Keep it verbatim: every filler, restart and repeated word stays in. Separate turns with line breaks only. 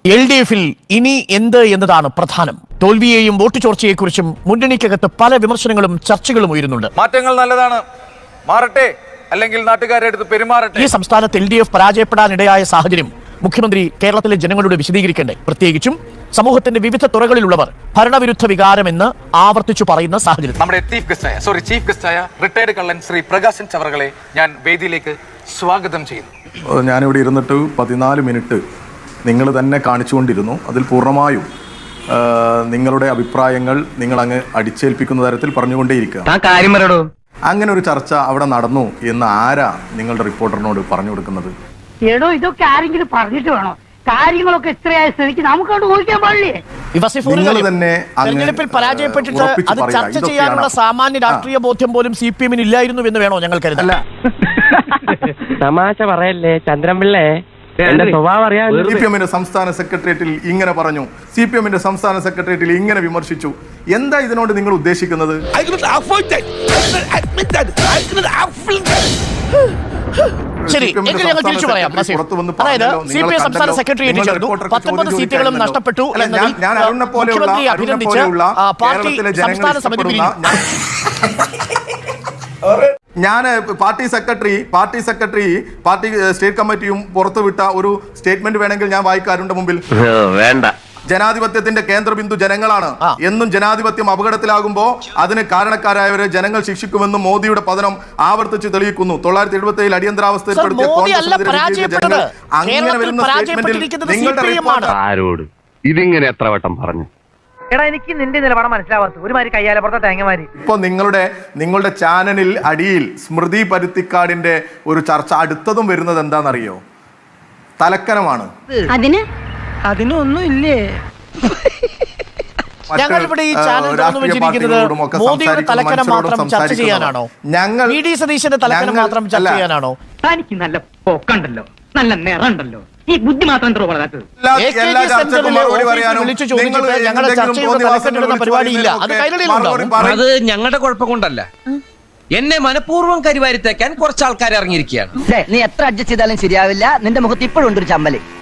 L D എഫിൽ ഇനി എന്ത് എന്നതാണ് പ്രധാനം. തോൽവിയെയും വോട്ട് ചോർച്ചയെക്കുറിച്ചും മുന്നണിക്കകത്ത് പല വിമർശനങ്ങളും ചർച്ചകളും ഉയരുന്നുണ്ട്.
മാറ്റങ്ങൾ നല്ലതാണ്, മാറട്ടെ, അല്ലെങ്കിൽ നാട്ടുകാരെ അടുത്ത് പെരുമാറട്ടെ.
ഈ സംസ്ഥാനത്ത് എൽ ഡി എഫ് പരാജയപ്പെടാനിടയായ സാഹചര്യം മുഖ്യമന്ത്രി കേരളത്തിലെ ജനങ്ങളോട് വിശദീകരിക്കേണ്ടേ? പ്രത്യേകിച്ചും സമൂഹത്തിന്റെ വിവിധ തുറകളിലുള്ളവർ ഭരണവിരുദ്ധ വികാരമെന്ന് ആവർത്തിച്ചു പറയുന്ന സാഹചര്യം.
നമ്മുടെ ചീഫ് ഗസ്റ്റായ സോറി ചീഫ് ഗസ്റ്റായ റിട്ടയർഡ് കള്ളൻ ശ്രീ പ്രകാശൻ ചവറകളെ ഞാൻ വേദിയിലേക്ക് സ്വാഗതം ചെയ്യുന്നു.
ഞാനിവിടെ ഇരുന്നിട്ട് പതിനാല് മിനിറ്റ് നിങ്ങൾ തന്നെ കാണിച്ചുകൊണ്ടിരുന്നു. അതിൽ പൂർണ്ണമായും നിങ്ങളുടെ അഭിപ്രായങ്ങൾ നിങ്ങൾ അങ്ങ് അടിച്ചേൽപ്പിക്കുന്ന തരത്തിൽ പറഞ്ഞുകൊണ്ടേയിരിക്കുക. അങ്ങനെ ഒരു ചർച്ച അവിടെ നടന്നു എന്ന് ആരാ നിങ്ങളുടെ റിപ്പോർട്ടറിനോട് പറഞ്ഞു കൊടുക്കുന്നത്?
എടോ, ഇതൊക്കെ ആരെങ്കിലും പറഞ്ഞിട്ട് വേണോ? കാര്യങ്ങളൊക്കെ ഇത്രയായ സ്ഥിതിക്ക് നമുക്കോട്ട് ഊഹിക്കാൻ പാടില്ലേ?
നിങ്ങൾ തന്നെ
തെരഞ്ഞെടുപ്പിൽ പരാജയപ്പെട്ടിട്ട് അത് ചർച്ച ചെയ്യാനുള്ള സാമാന്യ രാഷ്ട്രീയ ബോധ്യം പോലും സി പി എമ്മിന് ഇല്ലായിരുന്നു എന്ന് വേണോ ഞങ്ങൾ കരുതല്ല?
തമാശ പറയല്ലേ ചന്ദ്രൻപിള്ളേ, എന്റെ സ്വഭാവം അറിയാം.
സി പി എമ്മിന്റെ സംസ്ഥാന സെക്രട്ടേറിയറ്റിൽ ഇങ്ങനെ പറഞ്ഞു, സി പി എമ്മിന്റെ സംസ്ഥാന സെക്രട്ടേറിയറ്റിൽ ഇങ്ങനെ വിമർശിച്ചു. എന്താ ഇതിനോട് നിങ്ങൾ ഉദ്ദേശിക്കുന്നത്?
ശരി, എങ്കിൽ ഞങ്ങൾ തിരിച്ചു പറയാം. അതായത് സി പി എം സംസ്ഥാന സെക്രട്ടേറിയറ്റ് ചേർന്നു, പത്തൊമ്പത് സീറ്റുകളും നഷ്ടപ്പെട്ടു എന്നതിൽ മുഖ്യമന്ത്രി അഭിനന്ദിച്ച് പാർട്ടി സംസ്ഥാന സമിതി പിരിഞ്ഞു.
ഞാൻ party secretary party secretary party state കമ്മിറ്റിയും പുറത്തുവിട്ട ഒരു സ്റ്റേറ്റ്മെന്റ് വേണമെങ്കിൽ ഞാൻ വായിക്കാറുണ്ട് മുമ്പിൽ.
വേണ്ട.
ജനാധിപത്യത്തിന്റെ കേന്ദ്രബിന്ദു ജനങ്ങളാണ് എന്നും ജനാധിപത്യം അപകടത്തിലാകുമ്പോൾ അതിന് കാരണക്കാരായവരെ ജനങ്ങൾ ശിക്ഷിക്കുമെന്നും മോദിയുടെ പതനം ആവർത്തിച്ച് തെളിയിക്കുന്നു. തൊള്ളായിരത്തി എഴുപത്തി ഏഴിൽ അടിയന്തരാവസ്ഥ ഏർപ്പെടുത്തിയ
പരാജയപ്പെട്ടത്
ആരോട് ഇതിങ്ങനെ എത്ര വട്ടം പറഞ്ഞു?
എടാ, എനിക്ക് നിന്റെ നിലപാട് മനസ്സിലാവാത്ത ഒരുമാതിരി കയ്യാലെ പുറത്തെ തേങ്ങമാരി.
ഇപ്പൊ നിങ്ങളുടെ നിങ്ങളുടെ ചാനലിൽ അടിയിൽ സ്മൃതി പരുത്തിക്കാടിന്റെ ഒരു ചർച്ച അടുത്തതും വരുന്നത് എന്താണെന്നറിയോ? തലക്കനമാണ്.
അതിന് അതിനൊന്നും ഇല്ലേ?
ഞങ്ങൾ ഇവിടെ ഈ ചാനൽ തുറന്നു വെച്ചിരിക്കുന്നത് മോദിയുടെ തലക്കനം മാത്രം ചർച്ച ചെയ്യാനാണോ?
ഞങ്ങൾ
വി ഡി സതീശന്റെ തലക്കനം മാത്രം ചർച്ച ചെയ്യാനാണോ?
തനിക്ക് നല്ല പൊക്കണ്ടല്ലോ, നല്ല നിറണ്ടല്ലോ, ഈ ബുദ്ധി മാത്രം എത്ര വളരാത്തത്.
അത് ഞങ്ങളുടെ കുഴപ്പം കൊണ്ടല്ല, എന്നെ മനഃപൂർവ്വം കരിവാരിത്തേക്കാൻ കുറച്ച് ആൾക്കാർ ഇറങ്ങിയിരിക്കുകയാണ്.
നീ എത്ര അഡ്ജസ്റ്റ് ചെയ്താലും ശരിയാവില്ല, നിന്റെ മുഖത്ത് ഇപ്പോഴും ഉണ്ട് ഒരു ചമ്മല്.